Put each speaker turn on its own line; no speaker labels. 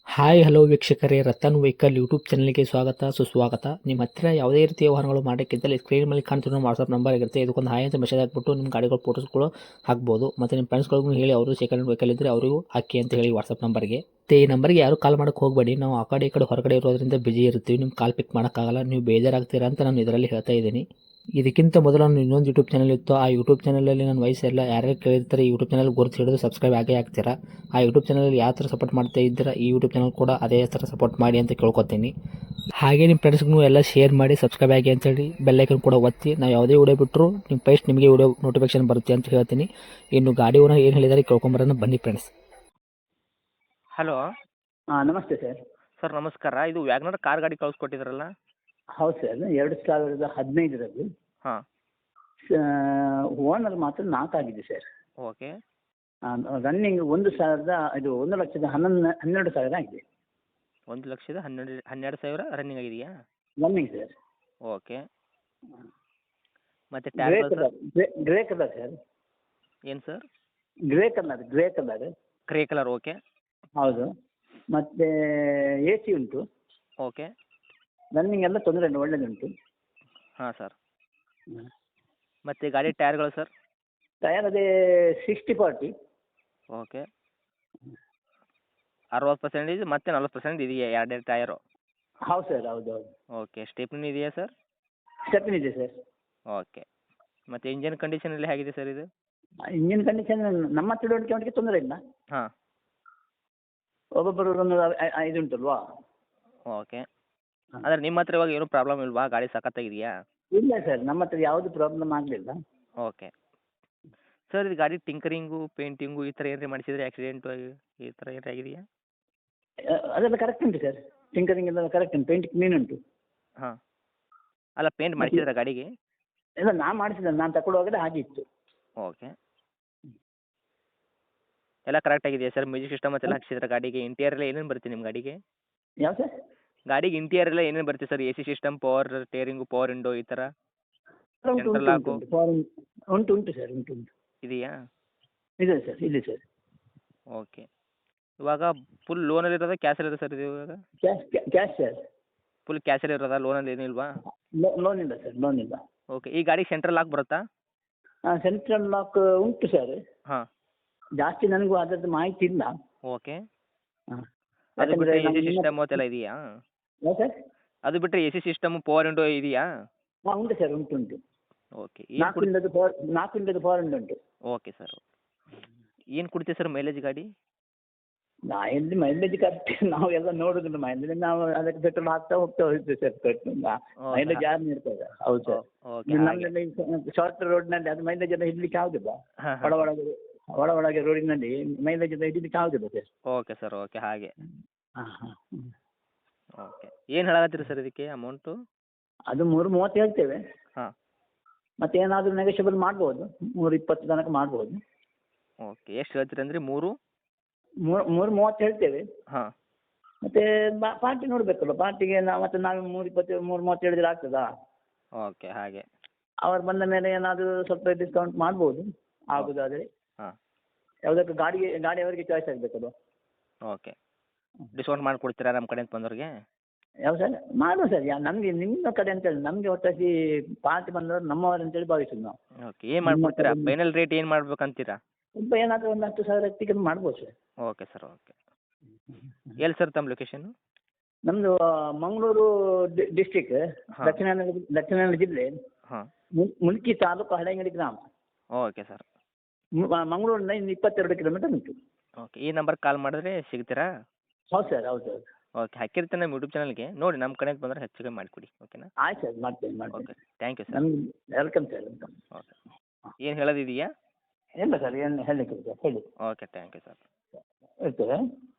Hi hello ವೀಕ್ಷಕರೇ, Ratan vehicle YouTube ಚಾನಲ್ಗೆ ಸ್ವಾಗತ ಸುಸ್ವಾಗತ. ನಿಮ್ಮ ಹತ್ತಿರ ಯಾವುದೇ ರೀತಿಯ ವಾಹನಗಳು ಮಾಡೋಕ್ಕಿದ್ದಲ್ಲಿ ಸ್ಕ್ರೀನ್ ಮೇಲೆ ಕಾಣ್ತಿರೋ ವಾಟ್ಸಪ್ ನಂಬರ್ ಇರುತ್ತೆ. ಇದಕ್ಕೊಂದು ಹಾಯ್ ಅಂತ ಮೆಸೇಜ್ ಹಾಕ್ಬಿಟ್ಟು ನಿಮ್ಮ ಗಾಡಿಗಳ ಫೋಟೋಸ್ಗಳು ಹಾಕ್ಬೋದು. ಮತ್ತು ನಿಮ್ಮ ಫ್ರೆಂಡ್ಸ್ಗಳಿಗೂ ಹೇಳಿ, ಅವರು ಸೆಕೆಂಡ್ ವೆಹಿಕಲ್ ಇದ್ದರೆ ಅವರಿಗೂ ಹಾಕಿ ಅಂತ ಹೇಳಿ ವಾಟ್ಸಪ್ ನಂಬರ್ಗೆ. ಈ ನಂಬರ್ಗೆ ಯಾರು ಕಾಲ್ ಮಾಡೋಕ್ಕೆ ಹೋಗಬೇಡಿ. ನಾವು ಆ ಕಡೆ ಈ ಕಡೆ ಹೊರಗಡೆ ಇರೋದ್ರಿಂದ ಬಿಜಿ ಇರ್ತೀವಿ. ನಿಮ್ಮ ಕಾಲ್ ಪಿಕ್ ಮಾಡೋಕ್ಕಾಗಲ್ಲ, ನೀವು ಬೇಜಾರಾಗ್ತೀರಾ ಅಂತ ನಾನು ಇದರಲ್ಲಿ ಹೇಳ್ತಾ ಇದ್ದೀನಿ. ಇದಕ್ಕಿಂತ ಮೊದಲು ನಾನು ಇನ್ನೊಂದು ಯೂಟ್ಯೂಬ್ ಚಾನಲ್ ಇತ್ತು. ಆ ಯೂಟ್ಯೂಬ್ ಚಾನಲಲ್ಲಿ ನನ್ನ ವಯಸ್ಸೆಲ್ಲ ಯಾರ್ಯಾರು ಕೇಳಿರ್ತಾರೆ ಈ ಯೂಟ್ಯೂಬ್ ಚಾನಲ್ ಗುರುತು ಹಿಡಿದು ಸಬ್ಸ್ಕ್ರೈಬ್ ಆಗೇ ಆಗ್ತೀರಾ. ಆ ಯೂಟ್ಯೂಬ್ ಚಾನಲಲ್ಲಿ ಯಾವ ಥರ ಸಪೋರ್ಟ್ ಮಾಡ್ತಾ ಇದ್ದೀರಾ, ಈ ಯೂಟ್ಯೂಬ್ ಚಾನಲ್ ಕೂಡ ಅದೇ ಥರ ಸಪೋರ್ಟ್ ಮಾಡಿ ಅಂತ ಕೇಳ್ಕೊತೀನಿ. ಹಾಗೆ ನಿಮ್ಮ ಫ್ರೆಂಡ್ಸ್ಗೂ ಎಲ್ಲ ಶೇರ್ ಮಾಡಿ, ಸಬ್ಸ್ಕ್ರೈಬ್ ಆಗಿ ಅಂತೇಳಿ ಬೆಲ್ಲೈಕನ್ ಕೂಡ ಒತ್ತಿ. ನಾವು ಯಾವುದೇ ವಿಡಿಯೋ ಬಿಟ್ಟರು ನಿಮ್ಮ ಫಸ್ಟ್ ನಿಮಗೆ ವಿಡಿಯೋ ನೋಟಿಫಿಕೇಶನ್ ಬರುತ್ತೆ ಅಂತ ಹೇಳ್ತೀನಿ. ಇನ್ನು ಗಾಡಿ ಓನರ್ ಏನು ಹೇಳಿದಾರೆ ಕೇಳ್ಕೊಂಬರೋಣ ಬನ್ನಿ ಫ್ರೆಂಡ್ಸ್.
ಹಲೋ
ನಮಸ್ತೆ ಸರ್.
ಸರ್ ನಮಸ್ಕಾರ. ಇದು ವ್ಯಾಗ್ನರ್ ಕಾರ್ ಗಾಡಿ ಕಳಿಸ್ಕೊಟ್ಟಿದ್ರಲ್ಲ?
ಹೌದು ಸರ್, 2015
ಹಾಂ.
ಓನರ್ ಮಾತ್ರ 4 ಆಗಿದೆ ಸರ್.
ಓಕೆ.
ರನ್ನಿಂಗ್ 1,12,000 ಆಗಿದೆ.
1,12,000 ರನ್ನಿಂಗ್ ಆಗಿದೆಯಾ?
Running sir.
ಓಕೆ. ಮತ್ತು
grey
tag
colour, grey colour sir.
ಏನು sir?
Grey colour.
Grey colour. Okay.
ಹೌದು. ಮತ್ತು AC ಉಂಟು.
ಓಕೆ.
ರನ್ನಿಂಗ್ ಎಲ್ಲ ತೊಂದರೆ ಇಲ್ಲ, ಒಳ್ಳೆಯದುಂಟು.
ಹಾಂ ಸರ್. ಮತ್ತು ಗಾಡಿ ಟೈರ್ಗಳು ಸರ್?
ಟಯರ್ ಅದೇ 60-40.
ಓಕೆ. 60% ಮತ್ತು 40% ಇದೆಯಾ ಎರಡೆರಡು ಟಯರು?
ಹೌದು ಸರ್, ಹೌದು.
ಓಕೆ. ಸ್ಟೆಪ್ನಿ ಇದೆಯಾ ಸರ್?
ಸ್ಟೆಪ್ನಿ ಇದೆ ಸರ್.
ಓಕೆ. ಮತ್ತು ಇಂಜನ್ ಕಂಡೀಷನ್ ಎಲ್ಲ ಹೇಗಿದೆ ಸರ್ ಇದು?
ಇಂಜಿನ್ ಕಂಡೀಷನ್ ನಮ್ಮ ತಿಳುವಳಿಕೆ ತೊಂದರೆ ಇಲ್ಲ.
ಹಾಂ.
ಒಬ್ಬೊಬ್ಬರು ಒಂದು ಇದು ಉಂಟಲ್ವಾ.
ಓಕೆ. ಅಂದರೆ ನಿಮ್ಮ ಹತ್ರ ಇವಾಗ ಏನೂ ಪ್ರಾಬ್ಲಮ್ ಇಲ್ವಾ? ಗಾಡಿ ಸಖತ್ತಾಗಿದೆಯಾ?
ಇಲ್ಲ ಸರ್, ನಮ್ಮ ಹತ್ರ ಯಾವುದು ಪ್ರಾಬ್ಲಮ್ ಆಗಲಿಲ್ಲ.
ಓಕೆ. ಸರ್ ಇದು ಗಾಡಿ ಟಿಂಕರಿಂಗು, ಪೇಂಟಿಂಗು ಈ ಥರ ಏನಾರ ಮಾಡಿಸಿದ್ರೆ, ಆಕ್ಸಿಡೆಂಟು ಈ ಥರ ಏನಾರ ಆಗಿದೆಯಾ?
ಅದೆಲ್ಲ ಕರೆಕ್ಟ್ ಉಂಟು ಸರ್. ಟಿಂಕರಿಂಗ್ ಎಲ್ಲ ಕರೆಕ್ಟ್ ಉಂಟು, ಪೇಂಟಿಂಗ್ ಕ್ಲೀನ್ ಉಂಟು.
ಹಾಂ. ಅಲ್ಲ, ಪೇಂಟ್ ಮಾಡಿಸಿದ್ರಾ ಗಾಡಿಗೆ?
ಇಲ್ಲ, ನಾನು ತಗೊಳ್ಳುವಾಗಲೇ ಆಗಿತ್ತು.
ಓಕೆ. ಎಲ್ಲ ಕರೆಕ್ಟ್ ಆಗಿದೆಯಾ ಸರ್? ಮ್ಯೂಸಿಕ್ ಸಿಸ್ಟಮ್ ಮತ್ತೆಲ್ಲ ಹಾಕ್ಸಿದ್ರೆ ಗಾಡಿಗೆ? ಇಂಟೀರಿಯರ್ ಎಲ್ಲ ಏನೇನು ಬರುತ್ತೆ ನಿಮ್ಮ ಗಾಡಿಗೆ?
ಯಾವ ಸರ್?
ಗಾಡಿಗೆ ಇಂಟೀರಿಯರ್ ಎಲ್ಲ ಏನೇನು ಬರುತ್ತೆ sir? AC system, power steering, power window ಈ ಥರ ಸೆಂಟ್ರಲ್ ಲಾಕು
ಉಂಟು ಸರ್, ಉಂಟು.
ಇದೆಯಾ?
ಇದೆ ಸರ್, ಇದೆ ಸರ್.
ಓಕೆ. ಇವಾಗ ಫುಲ್ ಲೋನಲ್ಲಿ ಇರೋದಾ ಕ್ಯಾಶಲ್ಲಿ ಇರೋದು ಸರ್ ಇದು ಇವಾಗ?
Cash sir.
ಫುಲ್ ಕ್ಯಾಶಲ್ಲಿ ಇರೋದಾ? ಲೋನಲ್ಲಿ ಏನೂ ಇಲ್ವಾ?
ಲೋನ್ ಇಲ್ಲ ಸರ್, ಲೋನ್ ಇಲ್ಲ.
ಓಕೆ. ಈ ಗಾಡಿಗೆ ಸೆಂಟ್ರಲ್ ಲಾಕ್ ಬರುತ್ತಾ?
ಸೆಂಟ್ರಲ್ ಲಾಕ್ ಉಂಟು ಸರ್.
ಹಾಂ.
ಜಾಸ್ತಿ ನನಗೂ ಅದರದ್ದು ಮಾಹಿತಿ ಇಲ್ಲ.
ಓಕೆ.
ಹಾಂ.
ಅದು ಬಿಟ್ಟರೆ AC ಸಿಸ್ಟಮ್ ಅದೆಲ್ಲ ಇದೆಯಾ?
ಯಾವ ಸರ್?
ಅದು ಬಿಟ್ಟರೆ AC ಸಿಸ್ಟಮ್, ಪವರ್ ವಿಂಡೋ ಇದೆಯಾ?
ಹಾಂ, ಉಂಟು ಸರ್, ಉಂಟು.
ಓಕೆ.
4 ಪವರ್ ಉಂಟು.
Okay sir. ಏನು ಕೊಡ್ತೀವಿ ಸರ್ ಮೈಲೇಜ್ ಗಾಡಿ?
ಎಲ್ಲಿ ಮೈಲೇಜ್ ಕರೆಕ್ಟ್ ನಾವು ಎಲ್ಲ ನೋಡೋದಿಲ್ಲ. ಮೈಲೇಜ್ ನಾವು ಅದಕ್ಕೆ ಪೆಟ್ರೋಲ್ ಹಾಕ್ತಾ ಹೋಗ್ತೀವಿ ಸರ್. ಮೈಲೇಜ್ ಯಾರು ನೀಡ್ತಾರೆ? ಹೌದು ಸರ್.
ಓಕೆ.
ನಮ್ಮಲ್ಲಿ ಶಾರ್ಟ್ ರೋಡ್ನಲ್ಲಿ ಅದು ಮೈಲೇಜ್ ಎಲ್ಲ ಹಿಡ್ಲಿಕ್ಕೆ ಆಗುದಿಲ್ಲ.
ಹಾಂ.
ಒಳಗೆ ರೋಡಿನಲ್ಲಿ ಮೈಲೇಜ್ ಎಲ್ಲ ಹಿಡಿಲಿಕ್ಕೆ ಆಗುದಿಲ್ಲ ಸರ್.
Okay sir. ಓಕೆ. ಹಾಗೆ.
ಹಾಂ.
ಓಕೆ. ಏನು ಹೇಳಕತ್ತೀರಿ ಸರ್ ಇದಕ್ಕೆ ಅಮೌಂಟು?
ಅದು 3:30 ಹೇಳ್ತೇವೆ.
ಹಾಂ.
ಮತ್ತೆ ಏನಾದರೂ ನೆಗೋಷಿಯಬಲ್ ಮಾಡ್ಬೋದು, 3:20 ತನಕ ಮಾಡ್ಬೋದು.
ಓಕೆ. ಎಷ್ಟು ಹೇಳ್ತೀರಿ ಅಂದ್ರಿ?
3:30 ಹೇಳ್ತೇವೆ.
ಹಾಂ.
ಮತ್ತೆ ಪಾರ್ಟಿ ನೋಡಬೇಕಲ್ಲ. ಪಾರ್ಟಿಗೆ ಮತ್ತೆ ನಾವು 3:20 3:30 ಹೇಳಿದ್ರೆ ಆಗ್ತದಾ?
ಓಕೆ. ಹಾಗೆ.
ಅವರು ಬಂದ ಮೇಲೆ ಏನಾದರೂ ಸ್ವಲ್ಪ ಡಿಸ್ಕೌಂಟ್ ಮಾಡ್ಬೋದು, ಆಗುದಾದರೆ.
ಹಾಂ.
ಯಾವುದಕ್ಕೆ ಗಾಡಿ ಅವರಿಗೆ ಚಾಯ್ಸ್ ಆಗಬೇಕಲ್ಲ.
ಓಕೆ. ಡಿಸ್ಕೌಂಟ್ ಮಾಡಿಕೊಡ್ತೀರಾ ನಮ್ಮ ಕಡೆಯಿಂದ ಬಂದವ್ರಿಗೆ?
ಯಾವ ಸರ್? ಮಾಡುವ ಸರ್. ನಮಗೆ ನಿಮ್ಮ ಕಡೆ ಅಂತೇಳಿ, ನಮಗೆ ಒಟ್ಟಾಗಿ ಪಾರ್ಟಿ ಬಂದವರು ನಮ್ಮವರು ಅಂತೇಳಿ ಭಾವಿಸೋದು ನಾವು.
ಓಕೆ. ಏನು ಮಾಡಿಕೊಡ್ತೀರಾ? ಫೈನಲ್ ರೇಟ್ ಏನು ಮಾಡ್ಬೇಕಂತೀರಾ?
ಸ್ವಲ್ಪ ಏನಾದರೂ ಒಂದು 10,000 ಟಿಕೆಟ್ ಮಾಡ್ಬೋದು ಸರ್.
Okay sir. ಓಕೆ. ಎಲ್ಲಿ ಸರ್ ತಮ್ಮ ಲೊಕೇಶನ್ನು?
ನಮ್ಮದು ಮಂಗಳೂರು ಡಿಸ್ಟಿಕ್, ದಕ್ಷಿಣ ಕನ್ನಡ ಜಿಲ್ಲೆ,
ಹಾಂ.
ಮುಲ್ಕಿ ತಾಲೂಕು, ಹಳೆಂಗಡಿ ಗ್ರಾಮ.
Okay sir.
ಮಂಗಳೂರಿನ ಇನ್ನು 22 ಕಿಲೋಮೀಟರ್ ಉಂಟು.
ಓಕೆ. ಈ ನಂಬರ್ಗೆ ಕಾಲ್ ಮಾಡಿದ್ರೆ ಸಿಗ್ತೀರಾ?
ಹೌದು ಸರ್, ಹೌದು.
ಓಕೆ. ಹಾಕಿರ್ತೀನಿ ನಮ್ಮ ಯೂಟ್ಯೂಬ್ ಚಾನಲ್ಗೆ, ನೋಡಿ ನಮ್ಮ ಕಡೆಯಿಂದ ಬಂದರೆ ಹೆಚ್ಚು ಕಮ್ಮಿ ಮಾಡಿಕೊಡಿ. ಓಕೆನಾ?
ಆಯ್ತು ಸರ್, ಮಾಡ್ತೇನೆ.
ಓಕೆ. Thank you sir.
ನಮ್ಗೆ ವೆಲ್ಕಮ್ ಸರ್, ವೆಲ್ಕಮ್.
ಓಕೆ. ಏನು ಹೇಳೋದಿದೆಯಾ?
ಇಲ್ಲ ಸರ್, ಏನು ಹೇಳಲಿಕ್ಕೆ ಸರ್, ಹೇಳಿ.
ಓಕೆ. Thank you sir.
ಇರ್ತೇವೆ.